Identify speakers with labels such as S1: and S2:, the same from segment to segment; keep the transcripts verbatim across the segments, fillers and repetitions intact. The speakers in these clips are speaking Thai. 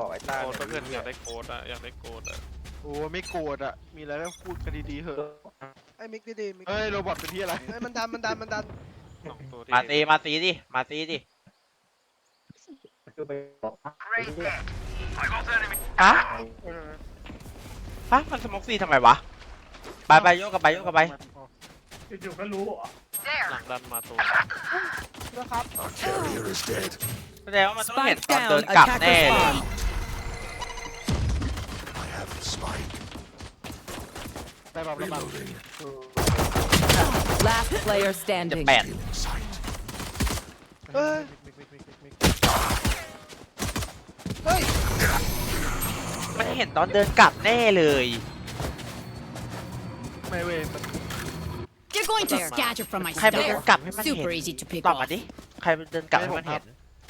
S1: บอกไอ้ต้า
S2: โกดเพื่อนอยากได้โกดอะอยากได้โกดอะ
S3: โอ้ไม่โกรธอ่ะมีอะไรก็พูดกันดีๆเถอะ
S4: ไอ้มิกดีๆมิก
S3: เฮ้ยโรบอทเป็นที่อะไร
S4: ไอ้มันดันมันดันมันดัน
S2: สองตัวที่
S5: มาตีมาตีดิมาตีดิฮะฮะมันสมองซีทำไมวะไปไปโยกกับไปโยกกับไป
S6: อยู่ๆก็รู้
S2: หลังดันมาตัว
S4: นะครับ
S5: แสดงว่ามันต้องเห็นตอนเดินกลับแน่เลย
S3: ได้แบบระบัง
S7: Last player
S5: จะ
S7: standing.
S5: แปด
S4: เฮ้ย
S3: มิกมิกมิกมิกมิก
S4: เฮ้ย
S5: มันเห็นตอนเดินกลับแน่เลย
S3: ไม่เว้ยมัน
S8: You're going to scatter from my
S5: ใครเป็นเดิน
S8: stuff.
S5: กลับให้มันเห็น
S8: Super easy to pick
S5: ตอบมา
S8: off.
S5: ดิใครเป็นเดินกลับให้มันเห็น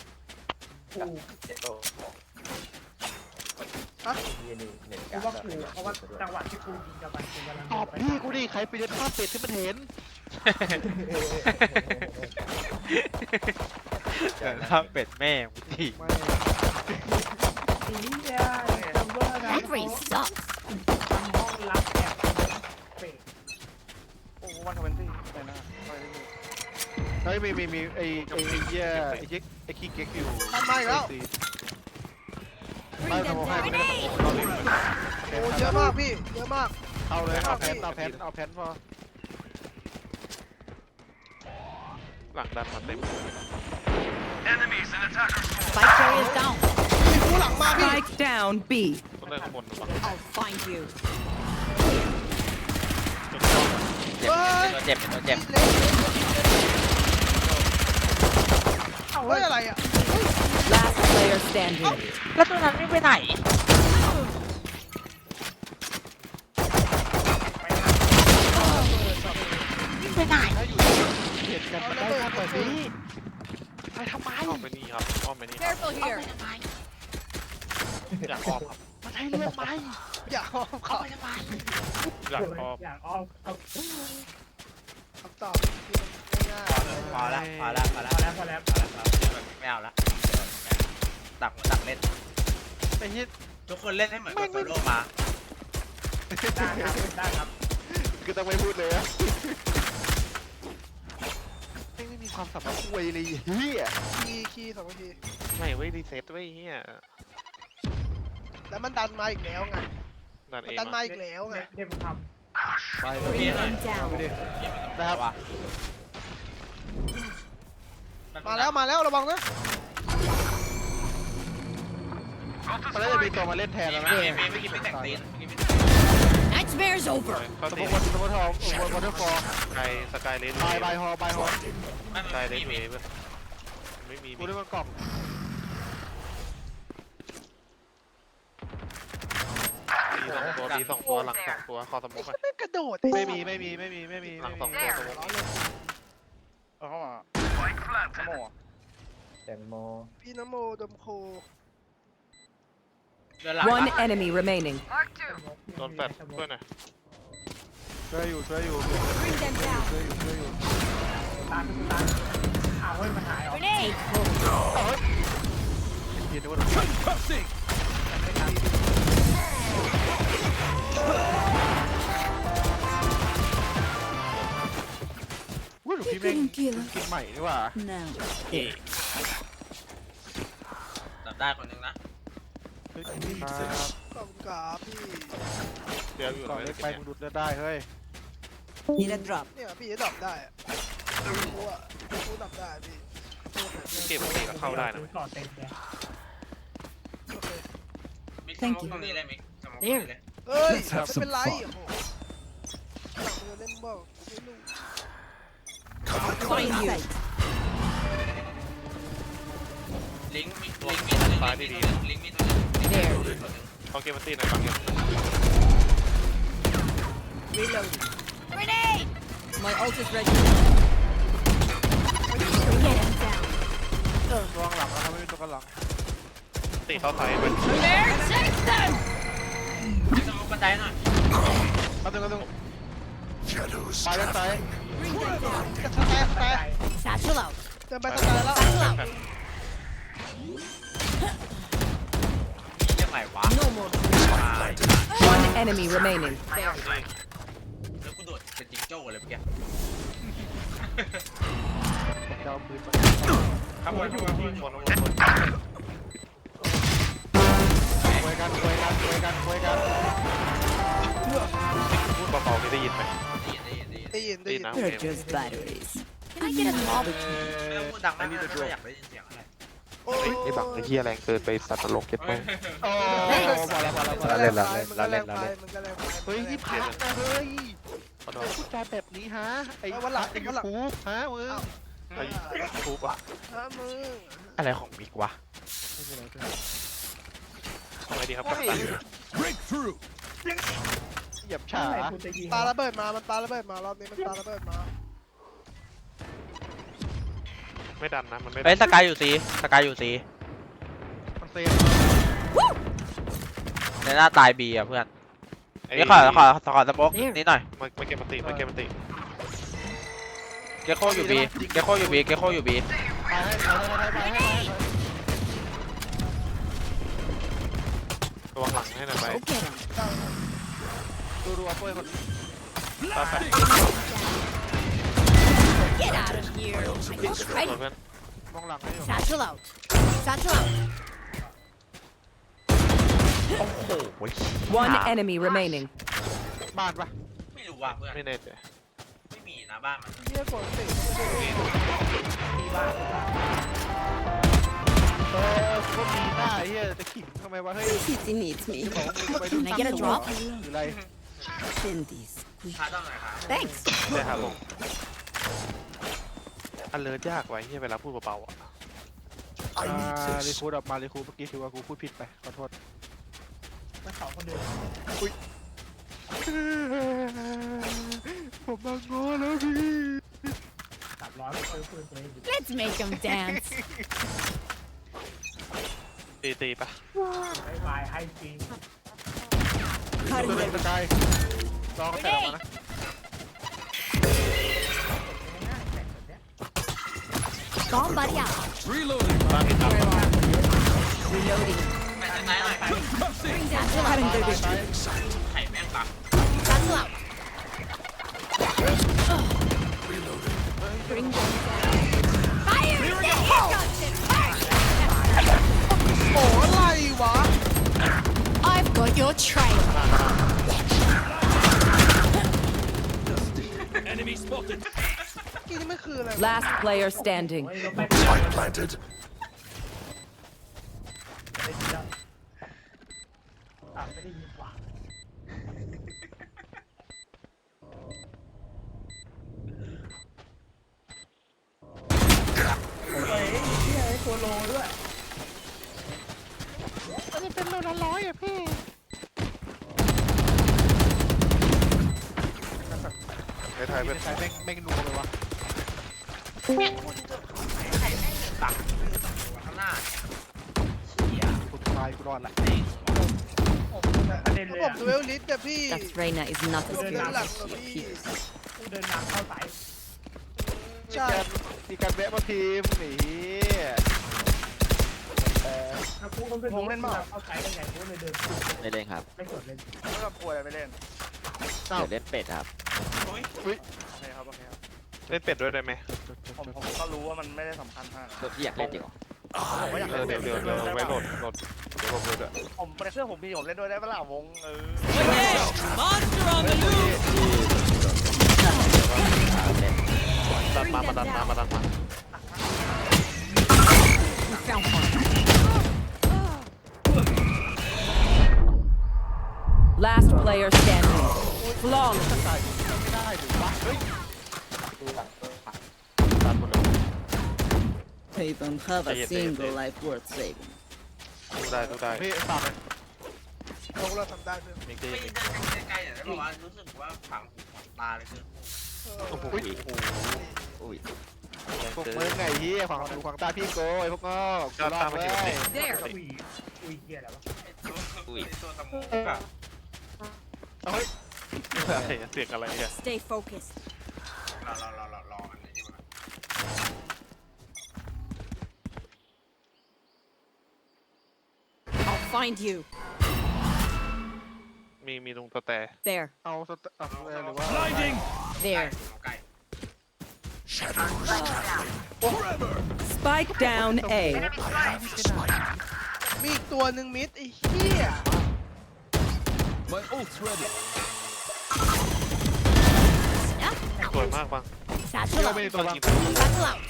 S6: กูว่ากูเพราะว่าจังหวะที่กูยิงกับมันกูกำลัง
S3: ตอบพี่กูดิใครไปเดินข้ามเป็ดที่มันเห็น
S5: เดินข้ามเป็ดแม่งดิ
S3: ไม่
S6: สีเนี่ยจำว่านะ
S8: That race sucks.
S6: ห้องรับแอบเปะ
S1: โอ้วันทเวนตี้ไปนะไปเลย
S3: เฮ้ยมีมีมีไอ้ไอ้ไอ้เหี้ยไอ้เจ๊กไอ้ขี้เก๊กอยู่
S4: ทำไมแล้ว
S3: ได้ทำให้ไม่ได้ทำเราเล่น
S4: โอ้เยอะมากพี่เยอะมาก
S3: เอาเลยเอาแพนเอาแพนเอาแพนพอ
S2: หลังดันมาเต็ม
S8: Spike carrier is down.
S4: พี่กูหลังมาพี่
S7: Spike down B.
S2: ต้องได้ข้างบนระวัง
S8: I'll find you.
S5: เจ็บเป็นตัวเจ็บเป็นตัวเจ็บ
S4: เล็กเฮ้ยอะไรอ่ะ
S7: Last player standing.
S5: แล้วตัวนั้นไม่ไปไหนไปไหน
S3: ถ้าอยู่เห็นกันมันได้แค่แบบนี้ไปทำไม
S2: อ้อมไปนี่ครับอ้อมไปนี่ครับ
S8: Careful here.
S2: อยากอ้อมครับ
S3: มันให้เลือกไหม
S4: อย่าเอาเขา
S2: อยากอ้อม
S6: อยากอ้อมเอา
S4: คำตอบที่ง่าย
S5: พอละพอละพอ
S6: พ
S5: ละ
S6: อแล้วพอแล้ว
S5: ไม่เอาละตักหัวตักเล่น
S3: ไอ้เหี้ย
S5: ทุกคนเล่นให้เหมือนกับโซโล่มา
S6: ได้ครับได้ครับ
S3: คือต้องไม่พูดเลยอะไม่ไม่มีความสามารถคุยเลยเฮีย
S4: ๆคีย์คีย์สองที
S2: ไม่เว้ยรีเซ็ตเว้ยเฮีย
S4: แล้วมันดันมาอีกแล้วไง
S2: ดัน
S4: มัน
S2: เอง
S4: ดันมา
S2: มา
S4: อีกแล้วไง
S6: เดี๋ยวผมท
S3: ไปเลย
S5: พี่หน่อย
S8: Down.
S3: ไปดินะครับ
S5: ว่ะ
S4: มาแล้วมาแล้วระวังนะ
S3: มันน่าจะมีตัวมาเล่นแทนแล้วนะ
S5: มีมีเมื่อกี้ไม่แต่งตีน
S8: Nightmare's over.
S2: เขา
S3: สม
S2: ตี
S3: มติสมมติทองวอเตอร์ฟอร์
S2: สกายสกายเลน
S3: บายบายฮอบายฮอ
S2: สกายเลนเวฟไม่มี
S3: กูได้มันกล่อง
S2: ตีสองตัวตีสองตัวหลังสองตัวคอสมุก
S4: ไม่กระโดด
S3: ไม่มีไม่มีไม่มีไม่มี
S2: หลั
S3: ไม่
S2: งสอง
S3: มี
S2: ตัวสมุก
S1: เอาเข้ามาขโมย
S9: แตงโม
S4: พี่นโมดมโค
S5: เดินหลัง
S7: One enemy remaining.
S2: โดนแฟดเพื่อนหน่อย
S3: ช่วยอยู่ช่วยอยู่
S8: Bring them down.
S3: ช่วยอยู่ช่วยอยู่
S6: ำตามตามอ้าวเฮ้ยมันหายออก
S8: Grenade.
S3: เห็นว่าวุ้ยหนูพี่แม่งกินใหม่ดีกว่า
S8: No.
S5: จับได้คนหนึงนะ
S3: เฮ้ย
S4: ขอบคุณครับพี่
S2: เดี๋ยวอยู่
S3: ก่อน
S2: เล
S3: เล็
S2: ย
S3: กไปมึงดูดเลือดได้เฮ้ย
S7: Need a drop.
S4: เนี่ยพี่จะดับได้อะกูอะกูดับได้พี่
S2: เก็บตีแล้วเข้าได้นะ
S6: ก่อนเต็มเลย
S4: โอเค
S5: มิกซ์สมองตรงนี้เลยมิกซ์สมองตรงนี้เลย
S4: เฮ้ยไม่เป็นไรโอ้โหหลังมือเล่นบ้าไม่รู้
S8: Find you.
S5: ลิงก์มีลิงก์มีตัวหนึง
S2: ซ้ายดี
S5: ลิงก์มีตัวหนึง
S8: There.
S2: ๆเขาเกมมันตีหน่อยบางเกม
S8: Reloading. Grenade.
S7: My ult is ready.
S8: Get him down.
S3: ระวังหลังนะครับไม่มีตัวกันหลัง
S2: ตีเข้าไซส์ไป
S8: There. Take them.
S5: มิกซ์สมองบันไดหน่อย
S3: มาตึงมาตึงไปด้านซ้าย
S8: Bring them down.
S4: กระทายกระทาย
S8: Satchel out.
S4: เดินไปสกายแล้ว
S8: Satchel out.
S7: enemy remaining.
S5: แล้วกูโดดเป็นจิงโจ้เลยเมื่อกี้
S3: จะเอาปืนมา
S2: ข้างบนข้างบนข้างบนข้างบน
S3: คุยกันคุยกันคุยกันคุยกัน
S2: พูดเบาๆไม่ได้ยินไหม
S4: ได้ยินได้ยิน
S2: นะ
S7: They're just batteries.
S8: Can I get a small
S5: ไม่ต้องพูดดังมากไม่ต้องอยากได้ยินเสียงอะไร
S4: โอ้ย
S2: ไอ้บังไอ้เหี้ยแรงเกินไปสัตว์นรกเก็ตไหม
S3: โอ้พอแล้วพอแล้วพอ
S4: มัน
S3: แล้ว
S4: ก็แรงไปมันก็แรงไปมันก็แรงไป
S3: เฮ้ยนี่พักนะเฮ้ยพูดจาแบบนี้ฮะไอ้วันหลังไอ้ยูทูบฮะมึง
S2: ไอ้ทูบอะ
S4: ฮะมึง
S2: อะไรของมิกวะทำไงดีครับกัปตัน
S3: เหยียบฉา
S6: อะไรกูจะยิง
S4: ปาระเบิดมามันปาระเบิดมารอบนี้มันปาระเบิดมา
S2: ไม่ดันนะมันไม่
S5: เฮ้ยสกายอยู่สีสกายอยู่สี
S3: มันเซฟ
S5: ในหน้าตายบีอ่ะเพื่อนเดี๋ยวขอขอขอสป็อกนิดหน่อย
S2: มามาเก็บมันติมาเก็บมันติ
S5: เกโคอยู่บีเกโคอยู่บีเกโคอยู่บี
S3: ไปให้ไปให้ไปให้
S2: ระวังหลังให้หน่อยไป
S8: Go get him.
S3: ดูดูเอาเพื่อนคน
S2: ตาแฟ
S8: Get out of here. I think
S2: เพื่
S8: ready.
S2: อน
S3: มองหลังให้อยู่
S8: Satchel out. Satchel out.
S2: โอ้โห
S7: One enemy remaining.
S3: บ้านปะ
S5: ไม่รู้ว่าเพื่อน
S2: ไม่แน่ใจ
S5: ไม่มีนะบ้านมัน
S4: เฮียกดสิ
S3: เออก็มีหน้าเฮียจะขิงทำไมวะเฮ้ย
S7: City needs me.
S3: ไปดู
S8: Can I get a drop?
S3: หรืออะไร
S7: Cindy's.
S5: ชาร์จต้องไหนครับ
S8: Thanks.
S2: ได้ครับผมอันเลิศยากไว้เฮียเวลาพูดเบาๆอ่ะ
S3: อ่ารีคูดออกมารีคูดเมื่อกี้ถือว่ากูพูดผิดไปขอโทษ
S6: มาสองคนเดิน
S3: ผมมาง้อแล้วพี่
S6: สามร้อยเปิดปืนตัวเอง
S8: Let's make him dance.
S2: ตีตีปะ
S6: ไอ้วายให้จริง
S3: ตัวเล่นสกายลองใส่ออกมานะ
S8: Bomb buddy out.
S2: บ้านมีตับ
S8: Reloading.
S5: ไหนไหนไหน
S8: Bring Satchel out.
S5: ไข่แม่งปัก
S8: Satchel out. Bring them down. Fire in the hole.
S4: โอ้อะไรวะ
S8: I've got your trail.
S4: Enemy spotted กี่นี่มันคืออะไร
S7: Last player standing.
S6: เฮ้ยเราไปได้ยินแล้วอ่ะไม่ได้ยินว่ะเฮ้ยเฮียไอ้ตัวโลด้วย
S3: มันจะเป็นโลละร้อยอ่ะพี่
S2: ในไทยเป็น
S3: ใช้แม่งแม่งนัวเลยวะ
S5: ตักข้างหน้าเฮีย
S3: กูตายกูรอดละ
S6: ประเด็นเลย
S4: ผม
S6: อ่ะ
S4: ดูเอลลิสแต่พี่
S7: That Reyna is not as
S4: เดิน
S7: good
S4: หลัง
S7: as
S4: กับ
S7: she
S4: พี่
S7: appears.
S6: กูเดินนำเข้าสาย
S3: มี
S4: ใช่
S3: การมีการแวะมาทีมหนีเออ
S6: แล้วกูก็เป็นวงเล่นมาเข้าสายได้ไงกูเลยเดิน
S9: ไม่เล่นครับ
S6: ไม่กดเล่น
S1: ไม่ต้องกลัวอะไรไปเล่น
S9: เดี๋ยวเล่นเป็ดครับ
S1: โอเคครับโอเคครับ
S2: เล่นเป็ดด้วยได้ไหม
S1: ผมผมก็รู้ว่ามันไม่ได้สำคัญมาก
S9: ตัวที่อยากเล่นจริงเหรอ
S1: ผมก็อยาก
S2: เออ
S1: เล่น
S2: เดี๋ยวเดี๋ยวเดี๋ยวไว้โหลดโหลดเดี๋ยวผมโหลดด้วย
S1: ผมในเครื่องผมมีผมเล่นด้วยได้ปะล่ะวงเออ
S2: ดันมามาดันมามาดันมา
S8: We found one.
S7: Last player standing. Flawless.
S3: ไม่ได้หรือวะเฮ้ย
S2: ดันหมดเลย
S9: They don't have
S2: a single
S9: life worth saving
S2: ดูได้ดูได้
S3: พี่ฝากเลย
S4: ลงเราทำได้เพื่อน
S2: มิกได้
S5: ไม่
S2: ยิน
S5: เดินใกล้ๆแต่บอกว่ารู้สึกว่าฝังหูฝังตาเลยคือ
S2: โอ้โห
S9: อุ้ย
S3: พวกมึงไงเฮียขวางหูขวางตาพี่โกยพวกงอกกูรอดเว้ย
S8: There.
S6: อุ้ยอุ้ยเฮียอะไรวะ
S5: อุ้ยตัวตะมูกอะ
S3: เอาเฮ้ย
S2: อะไรเสียงอะไรเนี่ย
S8: Stay focused.
S5: รอรอรอรอรออันนี้ดีกว่า
S8: I'll find you.
S2: มีมีตรงสแตร์
S7: There.
S3: เอาสเตเอาหรือว่า
S7: There.
S5: เอาไก่
S7: Spike down A.
S4: มีอีกตัวหนึ่งมิดไอ้เหี้ย
S2: สวยมากปัง
S8: Satchel
S3: ไม่
S8: out.
S3: มีตัวบัง
S8: Satchel out.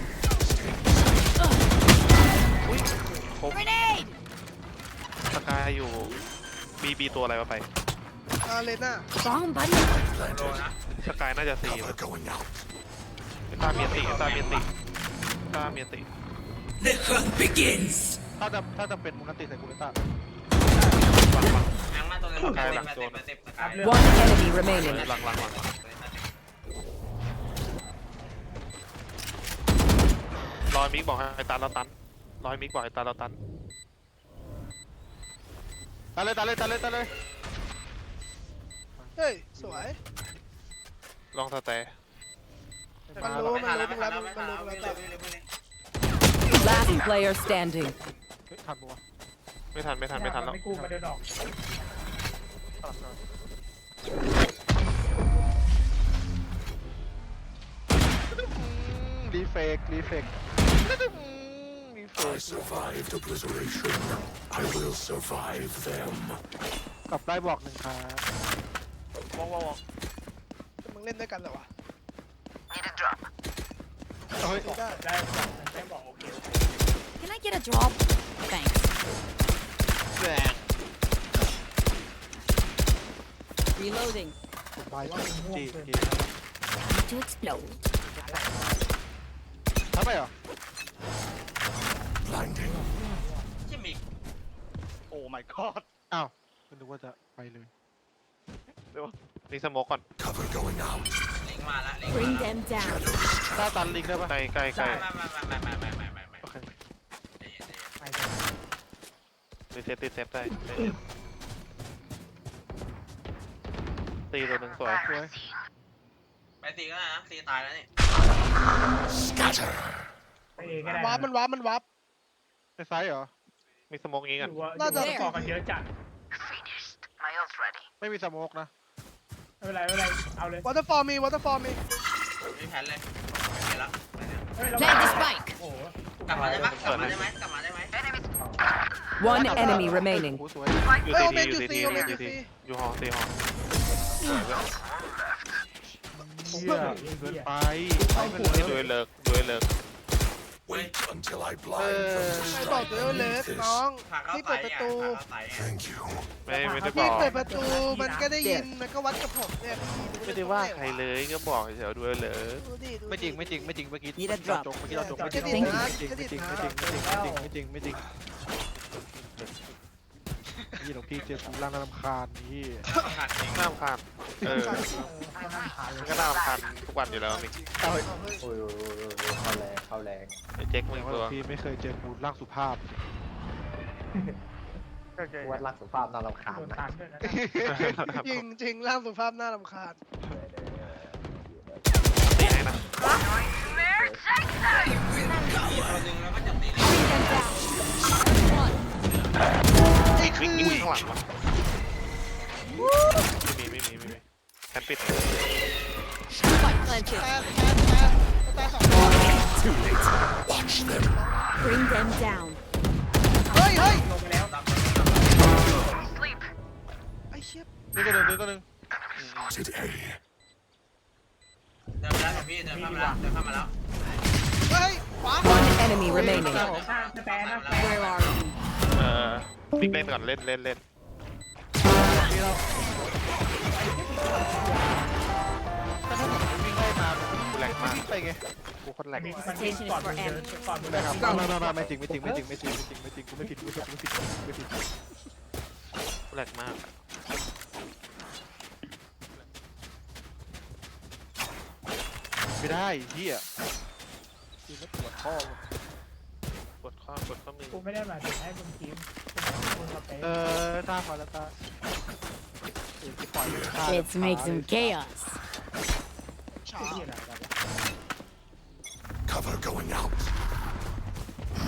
S2: ครบ
S8: Grenade.
S2: สกายอยู่บีบีตัวอะไรวะไป
S4: อาเลน่า
S8: Bomb buddy.
S5: โลนะ
S2: สกายน่าจะสี่เอตาเมียนติเอตาเมียนติเอตาเมียนติ
S3: ถ้าจะถ้าจะเป็นมุนติใส่กูเลต้า
S2: หลังหลัง
S5: แมงมาตัวนึง
S2: สกายหลัง
S5: มา
S2: โด
S5: เต็
S2: น
S5: มมาเต็มสกาย
S7: One enemy remaining.
S2: หลังหลังหลังรอยมิกบอกให้ตันเราตันรอยมิกบอกให้ตันเราตัน
S3: ตาเลยตาเลยตาเลยตาเลย
S4: เฮ้ยสวย
S2: ลองสแตร์
S4: มันรู้มันรู้มันรับมันรู้มันรับ
S7: Last player standing.
S3: เฮ้ยทันปะวะ
S2: ไม่ทันไม่ทันไม่ทันแล้ว
S6: ไม่กู้มาเดินออก
S3: รีเฟกรีเฟกรีเฟก
S10: survived obliteration. I will survive them.
S3: กลับได้บอกหนึ่งครับ
S1: วองวองวอง
S4: มึงเล่นด้วยกันเหรอวะ
S3: เฮ้ย
S4: ซื้อได้
S6: ได้บอกได้บอกโอเค
S8: Can I get a drop? Thanks.
S3: แรง
S7: Reloading.
S3: ไปจีจี
S8: Need to explode.
S3: ทำไมเหรอ
S10: Blinding.
S5: ชิมิก
S1: โอ้ my god
S3: อ้าวนึกว่าจะไปเลย
S2: นี่สโมกก่อน
S10: Cover going out.
S5: เล็งมาละเล็ง
S8: Bring
S5: มาละ
S8: them down.
S3: หน้าตันลิงได้ปะ
S2: ใกล้ใกล้ใกล้
S5: มามามามามามามามา
S3: โอเค
S6: ไป
S2: รีเซ็ตรีเซ็ตได้ตีตัวหนึ่งสวย
S3: สวย
S5: ไปตีก็ได้นะตีตายแล้วนี่
S10: Scatter.
S6: ไปเองก็ได้
S4: วาร์ปมันวาร์ปมันวาร์ป
S3: ในไซส์เหรอ
S2: มีสโมกงี้กัน
S6: ดูว่าดูว่าต่อกันเยอะจัด
S3: ไม่มีสโมกนะ
S6: ไม่เป็นไรไม่เป็นไรเอาเลยว
S4: อเตอร์ฟอร์มีวอเตอร์ฟอร์มี
S5: มีแผนเลยไปละไปเนี่ย
S6: เฮ้ยเรา
S8: Plant the spike.
S6: โอ้โห
S5: กลับมาได้ไหมกลับมาได้ไหมกลับมาได้ไหม
S7: One enemy remaining.
S3: โอ้สวย
S2: อยู่
S4: เฮ้ย
S2: ซี
S4: โอเม
S2: ที
S4: น
S2: อ
S4: อยู่
S2: ยู่
S4: ซี
S2: ซีที
S4: โอเมนอยู่ซี
S2: อยู่ซีทีอยู่หอซีหอ
S3: เฮียเกินไป
S6: เข้าหัว
S2: นี่ด้วยเลิกด้วยเลิก
S10: Wait until I
S3: เอ
S10: blind
S3: อ
S10: them.
S4: ไม่บอกตัวเล็กน้อง
S5: ผ่าเข้า
S4: นี่
S5: ไต
S4: เปิดประ
S5: อ่ะ
S4: ตู
S5: ผ่าเข้าไตอ่ะ
S10: Thank you.
S2: ไม่ไม่ได้บ
S4: พี่
S2: อก
S4: เปิดประตูมันก็ได้ยินมันก็วัดกับผมเนี่ย
S2: ไม่ได้ว่าใครเลยก็บอกเฉยๆด้วยเลย
S4: ดูดิดูดิ
S3: ไม่จริงไม่จริงไม่จริงเมื่อกี้
S7: Need a drop
S3: จงเมื่อกี้เราจงไม่จริง
S4: จะ
S3: ไม่
S4: ดิ
S3: จริง
S4: ด
S3: ไม่
S4: นะ
S3: จริง
S4: จะดิ
S3: ไม่
S4: ด
S3: จริง
S4: นะ
S3: ไม่จริงไม่จริงไม่จริงไม่จริงนี่หลวงพี่เจอกูร่างน่ารำคาญนี่
S5: ขาดจริง
S2: น่ารำคาญเออมันก็น่ารำคาญทุกวันอยู่แล้วมิก
S3: เอาเฮ้ย
S9: โอ้ยเข้าแรงเข้าแรง
S2: ไอ้เจ๊กมึ
S3: แต่
S2: ง
S3: ว่าหล
S2: ตัว
S3: วงพี่ไม่เคยเจอกูร่างสุภาพ
S9: วัดรักสุภาพน่ารำคาญ
S6: โดน
S9: นะ
S6: ตันด้วยนะ
S4: จริงจริงร่างสุภาพน่ารำคาญ
S2: ตีให้นะ
S5: ตัวหนึ่งแล้วก็จับตีเลย
S4: ไอ้
S2: วิ่
S4: คื
S2: ง
S4: อ
S2: วิ่งข้างหลังวะไม่มีไม่มีไม่มีแคนปิด
S8: Spike planted.
S4: แทนแทนแทนตายสองตัว
S10: Watch them.
S8: Bring them down.
S4: เฮ้ยเฮ้ย
S6: ลงไปแล้ว
S4: ไอ้เชี่ย
S3: นี่ตัวหนึ่งนี่ตัวหนึ่ง
S10: Spotted A.
S5: เดินมาแล้วพี่เดินเข้ามาแล้วเดินเข้ามาแล้ว
S4: เฮ้ยขวา
S7: One enemy remaining.
S6: หน้าสแตนนะสแตน
S7: Where are you?
S2: เอ่อมิกเล่นก่อนเล่นเล่นเล่น
S3: แต่ถ้าผมวิ่งไล่ตาม
S2: กูแรงมาก
S3: วิ่งไปไง
S2: กูโคตรแรง
S6: มันวิ่งก่อนมึงเดินก่อนมึงเดิน
S3: ไม่ไม่ไม่ไม่จริงไม่จริงไม่จริงไม่จริงไม่จริงไม่จริงกูไม่ผิดกูไม่ผิดไม่ผิดไม่ผิด
S2: กูแรงมาก
S3: ไม่ได้เฮียคือไม่ปวดข้อก
S2: ดข้อกดข้อมือ
S6: กูไม่ได้หมายถึงให้มึงทีมกูหมายถึงมึงกับเต้
S3: เออตาพอแล้วตา
S8: Let's make some chaos.
S4: ฉา
S6: ที่อะไรกัน
S10: Cover going out.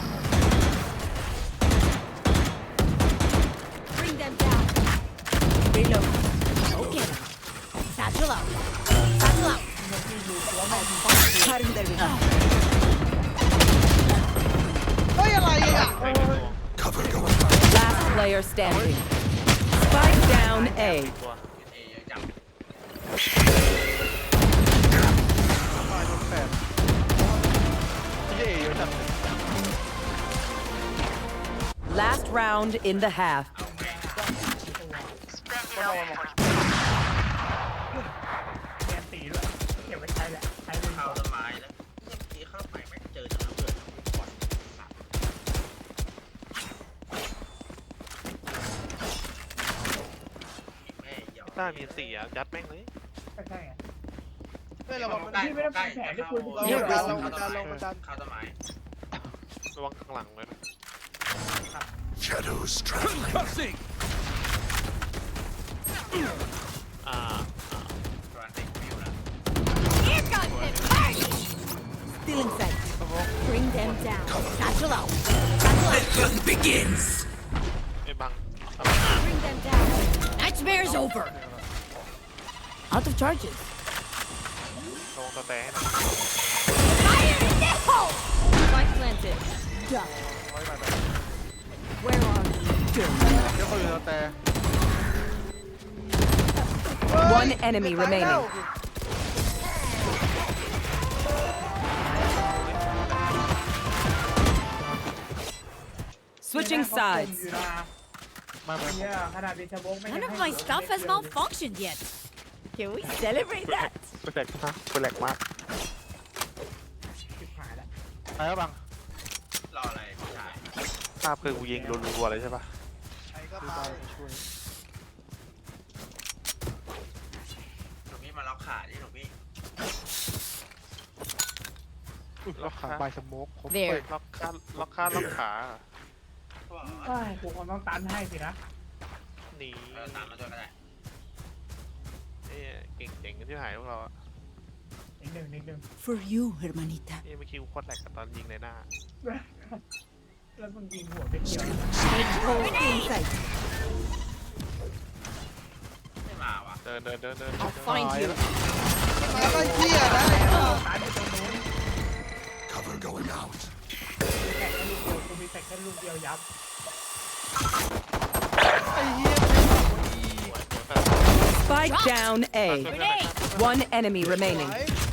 S8: Bring them down. Reload. Go get him. Satchel out. Satchel out.
S4: เฮ้ยอะไรอ่ะ
S10: Cover going out.
S7: Last player standing. Spike down A.
S2: ตัว
S5: เอเยอะจัง
S3: ตายโดนแปดพี่เอเยอะจัง
S7: Last round in the half.
S1: ก็โดน
S6: เรียนตีด้วยเก็บไว้ใช้แหละใช้เลย
S5: เข้าต้นไม้แล้วทีเข้าไปไม่เจอจะระเบิดก่อนแม่เหี่ยว
S2: ต้ามีสี่อ่ะยัดแม่งเลย
S6: ก็ใช่ไง
S4: เฮ้ยระวังมัน
S6: พี่ไม่ต้องทำแผนที่คุณ
S4: เรากดดันเรากดดันเรากดดัน
S5: เข้าต้นไม้
S2: ระวังข้างหลังเลยนะ
S10: Shadows traveling.
S2: อ่า
S5: ตัวติดวิวแล้ว
S8: Here comes the party. Still in sight. Bring them down. Satchel out. Satchel out.
S10: Begins.
S2: ไอ้บัง
S8: Bring them down. Nightmare's over. Out of charges.
S2: ระวังตะแตให้หน่อย
S8: Fire in the hole. Spike planted. Duck. Where are you?
S3: เดี๋ยวเขาอยู่แต่
S7: One enemy remaining. Switching sides.
S3: มามา
S6: เนี่ยขนาดเดชบงไม่
S8: None of my stuff has malfunctioned yet. Can we celebrate that?
S2: กูแหลกมากกูแหลกมาก
S6: ชิบหายแล้ว
S3: ไปแล้วบัง
S5: รออะไรผู้ชาย
S2: ภาพคือกูยิงรัวๆเลยใช่ปะ
S4: ใครก็
S3: คือ
S4: ไป
S3: ไปช่วย
S5: หนูพี่มาล็อกขาดิหนูพี่
S3: ล็อกขาบายสโมกครบ
S8: There.
S2: ล็อกขาล็อกขาล็อกขา
S6: เอ้ยกูคงต้องตันให้สินะ
S2: หนี
S5: เออตามมาด้วยก็ได้
S2: เอ้ยเก่งเจ๋งกันที่หายพวกเราอะ
S6: นิดหนึ่งนิดหนึ่ง
S8: For you, hermanita.
S2: เอ้ยเมื่อกี้กูโคตรแหลกกับตอนยิงในหน้า
S6: แล้วมึงยิงหัวไปเกี่ยว
S8: In sight.
S5: ไม่มาวะ
S2: เดินเดินเดินเดิน
S8: I'll find you.
S4: มาก็เหี้ยนะ
S6: ตายไปตรงนู้น
S10: Cover going out.
S6: แข่งแค่ลูกเดียวกูมีแต่แค่ลูกเดียวยับ
S4: ไอ้เหี้ย
S7: Spike down A.
S8: Grenade.
S7: One enemy remaining.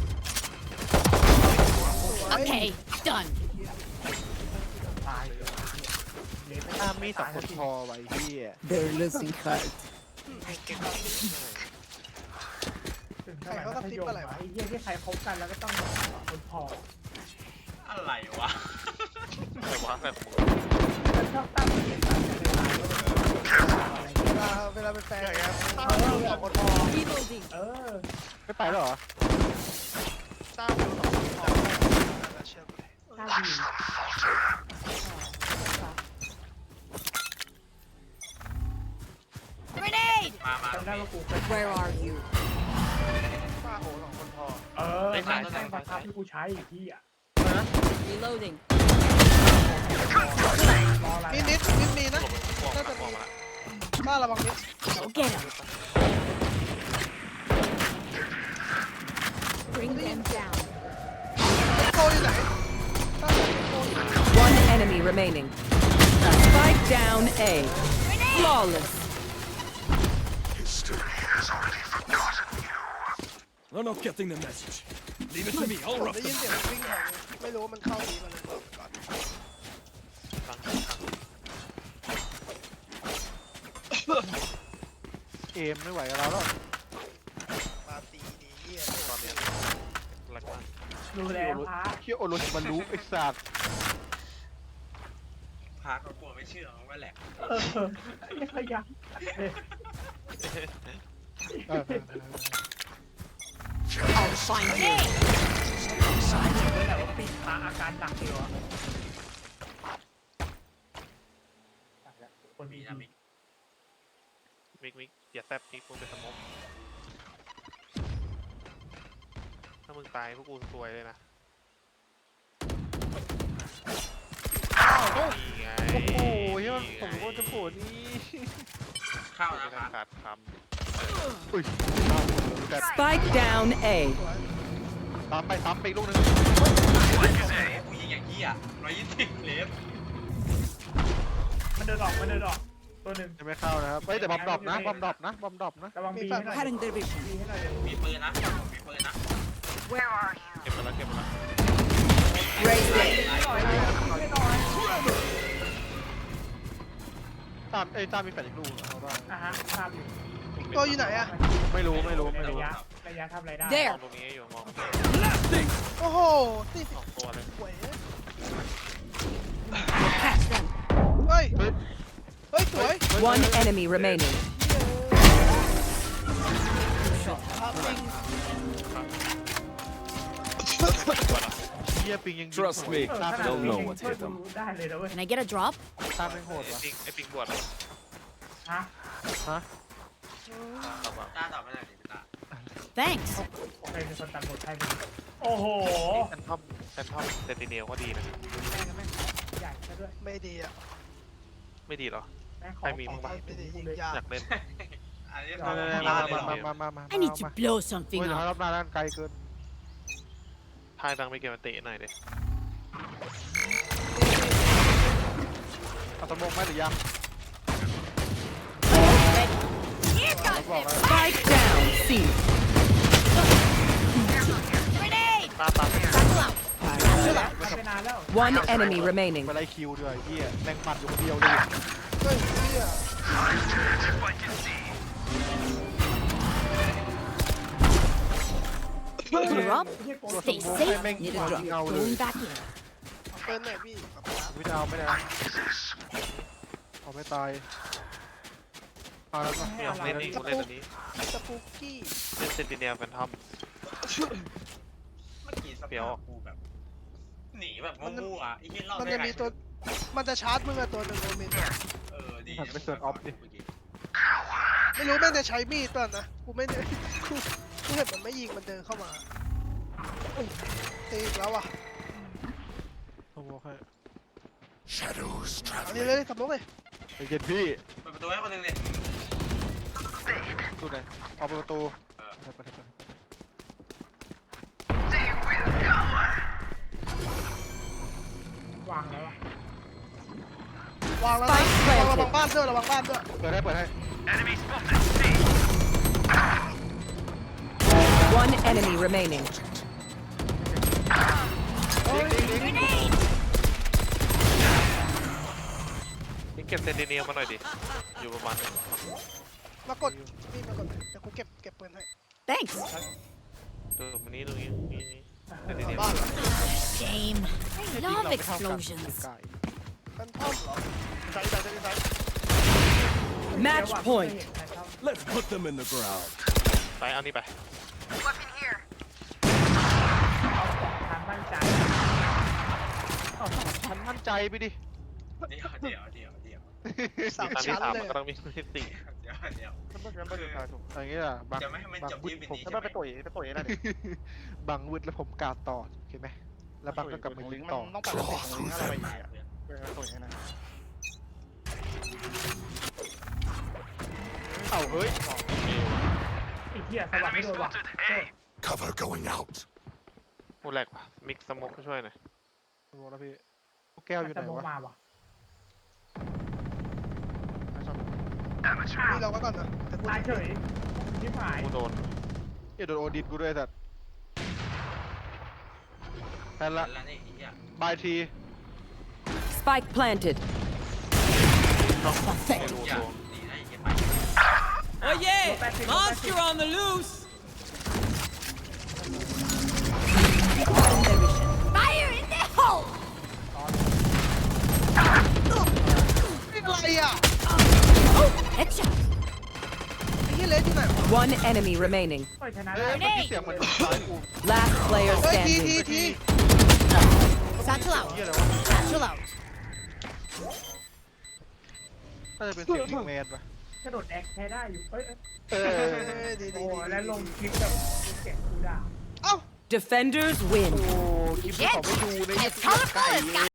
S8: Okay, done.
S6: ตายเลยเละไป
S3: หน้ามีสองคนพอไว้เฮีย
S7: They're losing heart.
S6: ถึงสมัยมัธยมอะไอ้เหี้ยที่ใครคบกันแล้วก็ต้องคนพอ
S5: อะไรวะ
S2: แต่ว่าแบบมึง
S6: มันชอบตั้งเกียรติกันในไลน์อะไรเงี้ย
S4: เวลาเวลาเป็นแฟนกัน
S6: เออ
S4: สองคนพอ
S8: Reloading.
S6: เออ
S3: ไม่ไปแล้วเหรอ
S4: ตั้งเป็นสองคนพอเชื่อกู
S6: ถ้าดี
S8: Grenade.
S5: มามา
S6: จำได้ว่ากูเคย
S8: Where are you?
S4: ป้าโหสองคนพอ
S6: เออใช่ใช่บังคับที่กูใช้อีกที่อ่ะ
S8: Reloading.
S6: รออะไร
S4: มีนิดนิดมีนะ
S2: หลบไปมองมาแล้วมองมาแล้ว
S4: ป้าระวังนิด
S8: Go get him. Bring them down.
S4: โกอยู่ไหนป้าโกอยู่ไหน
S7: One enemy remaining. Spike down A. Flawless.
S10: History has already forgotten you.
S11: They're not getting the message. Leave it to me.
S4: ผ
S11: I'll
S4: ม
S11: rough
S4: ได้ยิน
S11: them.
S4: เสียงวิ่งแถวนี้ไม่รู้ว่ามันเข้าดีมาเลยบอกก่อน
S2: ฟัง
S3: เอมไม่ไหวกับเราแล้ว
S4: มาตีดีเหี้ย
S2: ตอนเนี้ยแหลกมาก
S6: ดูแลพระ
S3: เฮียโอโรชิมารุไอ้สัตว์
S5: พาเขากลัวไม่เชื่อมันว่าแหลก
S6: เออยังขยัน
S3: เออ
S8: I'll find you.
S6: เลยแหละว่าปิดพระอาการหนักเดียวอ่ะคน
S5: มี
S6: ดี
S5: นะมิก
S2: มิกมิกอย่าแซบมิกมึงเป็นสมองถ้ามึงตายพวกกูซวยเลยนะนี่ไง
S3: โอ้โหเฮีย
S2: นี่
S3: ผม
S2: ไง
S3: ก็จะโผล่นี่
S5: เข้า
S2: ไม่
S5: นะค
S2: ได้
S5: รับ
S2: ขาดค
S3: อุ้ยแต่
S7: Spike down A.
S3: ตามไปซ้ำไปอีกลูกนึง
S5: กูยิงอย่างนี้อ่ะร้อยยี่สิบเลฟ
S6: มันเดินออกมันเดินออกตัวหนึ่ง
S3: ยังไม่เข้านะครับเฮ้ยแต่บอมดรอปนะบอมดรอปนะบอมดรอปนะ
S6: ระวังบีให้หน่อย
S7: Cutting their vision.
S6: บีให้หน่อยเดี๋ยว
S5: มีปืนนะมีปืนนะ
S2: ำเก็บไปแล้วเก็บไปแล้ว
S7: Raise it.
S3: ตามเอ้ยตามมีแฟนอีกลูกเอาได้
S6: อ่ะฮะภาพอยู่
S4: ตัวอยู่ไหนอะ
S3: ไม่รู้ไม่รู้ไม่
S6: ระ
S3: รู้
S6: ยะระยะทำอะไรได้
S2: ม
S7: There.
S2: องตรงนี้อยู่มอง
S4: โอ้โหตี
S2: สองตัวเลย
S4: หวย
S7: Catch them.
S4: เฮ้ย
S3: เฮ้ย
S4: เฮ้ยสวย
S7: One enemy remaining.
S3: เฮียปิงยังยิง
S11: Trust me.
S6: เออขนาด
S11: Don't
S6: นี้
S11: know
S6: ยัง
S11: what
S6: ช่วย
S11: hit
S6: กู
S11: them.
S6: ได้เลยนะเว้ย
S8: Can I get a drop?
S3: ตามเป็นโหด
S2: ไอ้
S3: ว่ะ
S2: ปิงไอ้ปิงบวชเลย
S6: ฮะ
S3: ฮะ
S2: ตามมา
S5: ตาตอบไม่ได้ดิตา
S8: Thanks.
S6: ใครเป็นคนตัดบทให้มึงโอ้โห
S2: แฟนทอมแฟนทอมเซนติเนลก็ดีนะ
S6: แม่งแม่งใหญ่ซะด้วย
S4: ไม่ดีอะ
S2: ไม่ดีเหรอ
S6: แม่งข
S2: ใครมีบ้างปะ
S4: ไม่ดียิงยาก
S2: อยากเล่น
S5: อันนี้
S3: มามามามามามา
S8: I need to blow
S3: เฮ้
S8: something
S3: ยเดี๋ยว
S8: up.
S3: รอบหน้าด้านไกลเกิน
S2: ทายดังไปเกมมันเตะหน่อยดิ
S3: เอาตะมงไหมหรือยัง
S8: Here
S3: เรา
S8: comes
S3: บอกแล้ว
S7: Spike down C.
S8: grenade.
S2: ตาตา
S8: Satchel out. Satchel out.
S6: ทำไปนานแล้ว
S7: One enemy remaining.
S3: ไปไล่คิวด้วยเฮียแรงหมัดอยู่คนเดียวเลย
S4: เฮ้ยเหี้ย
S8: You're up.
S6: ไม่ใช่โก
S3: ตัว
S6: ด
S3: ส
S8: Stay
S3: มองให้
S8: safe.
S3: แม่ง
S8: Need
S3: ยิ
S8: a
S3: ง
S8: drop.
S3: เงาเลย
S8: Going back in.
S4: เอาเป็นไหนพี่
S3: วิดเอาไม่ได้นะเอาไม่ตายเอาแล้วก็
S2: ไม่เอาเล่นนี่กูเล่นตัวนี้
S4: สปูกี้
S2: เล่นเซนติเนลแฟนทอม
S5: เมื่อกี้สเปียวกูแบบหนีแบบงูอ่ะไอ้ที่รอบ
S4: มันจะมีตัวมันจะชาร์จมึงอะตัวหนึ่งโอเมน
S5: เออดี
S4: ไม่รู้แม่งจะใช้มีดป่ะนะกูไม่ได้กูกูเห็นมันไม่ยิงมันเดินเข้ามาอุ้ยตีอีกแล้วอ่ะ
S3: สมองให้
S10: Shadows
S4: อันนี้
S10: traveling.
S4: เลยสมมติเลย
S3: ไอ้เย็นพี่
S5: เปิดประตูให้คนหนึ่งเลย
S3: ตู้ไหนเอาประตูไปไปไป
S6: วางแล้วอะ
S4: วางแล้วนะระวังระวังบ้านด้วยระวังบ้านด้วย
S3: เปิดให้เปิดให้
S7: One enemy remaining.
S2: นี่เก็บเซนติเนลมาหน่อยดิ อยู่ประมาณนี้
S4: มากดนี่มากดเดี๋ยวกูเก็บเก็บปืนให้
S8: Thanks.
S2: ตัวมันนี้ตรงนี้นี่นี่เซนติเนล
S4: บ้านเหรอ
S8: Shame. I love explosions.
S4: เป็นท่อมเหรอ
S3: ใส่ใส่ใส่ใส่
S7: Match
S6: เดี๋ยว
S7: point.
S6: ไม่เห็นใครเข้า
S11: Let's put them in the ground.
S2: ไปเอานี่ไป
S6: เอาสองทางมั่นใจ
S3: เอาสองชั้นมั่นใจไปดิ
S5: เดี๋ยวเดี๋ยวเดี๋ยวเดี๋ยว
S4: สาม
S2: ตอนที่
S4: ชั้น
S2: สาม
S4: เล
S2: มัน
S4: ย
S2: ก็ต้องมีที่สี่
S5: เดี๋ยวเดี๋ยว
S3: มันต้องมันต้องดูทายถูกอย่างนี้อ่ะบาง
S5: จะไม่ให้มันจบที่วิน
S3: ผม
S5: นี้ใช่ไหม
S3: ไปต่อยไปต่อยนั่นบางวืดแล้วผมกาดต่อเห็นไหมแล้วบางก็กลับมายิงต่อ
S1: ต้องปัดติดลิงก์อะไรไปอีกอ่ะเออต่อยให้นะ
S3: เอ้าเฮ้ย
S6: ไอ้เหี้ยสวัสดีด้วยว่ะ
S10: Cover going out.
S2: กูแหลกว่ะ มิกสมกช่วยหน่อย
S3: สมองแล้วพี่ลูกแก้วอยู่ไห
S6: แต่
S3: น
S6: มอง
S3: วะ
S6: มาว่ะ
S4: นี่เราไว้ก่อนนะแต่กู
S6: ตายเฉยชิบหาย
S2: กูโดน
S3: เอ้ยโดนโอดินกูด้วยสัตว์แทนละ
S5: แล้วนี่ไอ้เหี้ย
S3: บายที
S7: Spike planted.
S2: ไม่รู้
S5: อย่า
S2: ตัว
S5: ดีนะไอ้เหี้ยไป
S7: Oh yeah! Monster on the loose!
S8: Fire in the hole.
S4: นี่อะไรอ่ะ
S8: Headshot.
S4: ไอ้เหี้ยเลสอยู่ไหนวะ
S7: One enemy remaining.
S6: เฮ้ยชนะ
S3: เอ้
S6: ได้
S3: ยเมื่อกี้เสียงเหมือนซ้ายกู
S7: Last player
S4: เฮ้ยทีที
S7: standing.
S4: ที
S8: Satchel out.
S3: เฮียอะไรวะ
S8: Satchel out.
S3: น่าจะเป็นเสียงยิงแมนปะ
S6: กระโดดแอคแพ้ได้อยู่เฮ้ย
S3: เอ
S4: เอ
S3: อ
S4: อดีดี
S6: โอ้
S4: ดี
S6: แล้วลงคลิปแบบเสียงกูด่า
S4: เอ้า
S7: Defenders win.
S3: โอ้คลิปที่เขาไม่ดูใน
S8: Let's call it bullets, guys.